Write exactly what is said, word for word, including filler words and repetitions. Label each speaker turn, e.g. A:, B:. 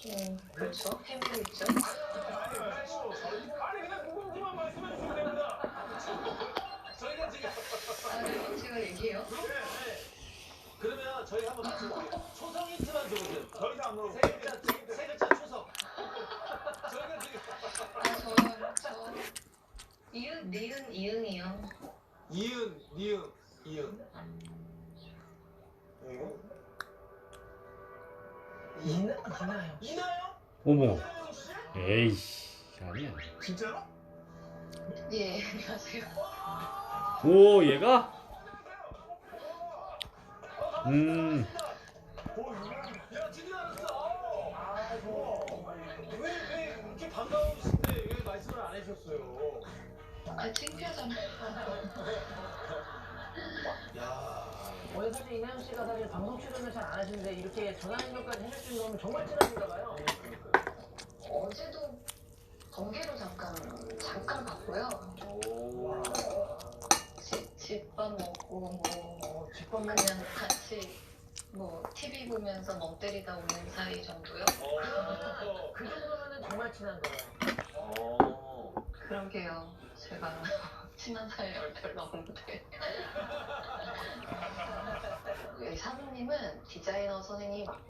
A: 음, 그렇죠. 해밀 있죠.
B: 아니 그냥 궁금한 말씀해 주시면 됩니다. 저희가 지금
A: 아, 네, 제가 얘기해요?
B: 네, 네. 그러면 저희 한번 맞춰볼게요. 초성 힌트만 줘보세요. 더 이상 안 물어볼게요. 세 글자, 세, 세 글자 초성. 저희가 지금
A: 아, 저, 저, 이응, 니은, 이응이요.
B: 이응, 니응, 이응. 이응?
C: 이나 이나요.
B: 이나요?
D: 어머.
B: 이나영 씨?
D: 에이씨. 아니야.
B: 진짜로?
A: 예, 안녕하세요.
D: 오, 얘가? 음.
B: 야, 드디어 알았어. 아이고. 왜, 왜 이렇게 반가우신데 왜 말씀을 안 해주셨어요?
A: 아, 창피하잖아요.
B: 야.
C: 원래 사실 이나영 씨가 사실 방송 출연을 잘 안 하시는데 이렇게 전화 연결까지 해주신 거면 정말 친하신가 봐요.
A: 어제도 번개로 잠깐, 잠깐 봤고요.
B: 오.
A: 집, 집밥 먹고, 뭐,
C: 어, 집밥
A: 그냥 같이, 뭐, 티비 보면서 멍 때리다 오는 사이 정도요?
B: 어.
C: 그 정도면은 정말 친한 거예요.
B: 어.
A: 그러게요. 제가 친한 사이가 별로 없는데. 여기 사부님은 디자이너 선생님이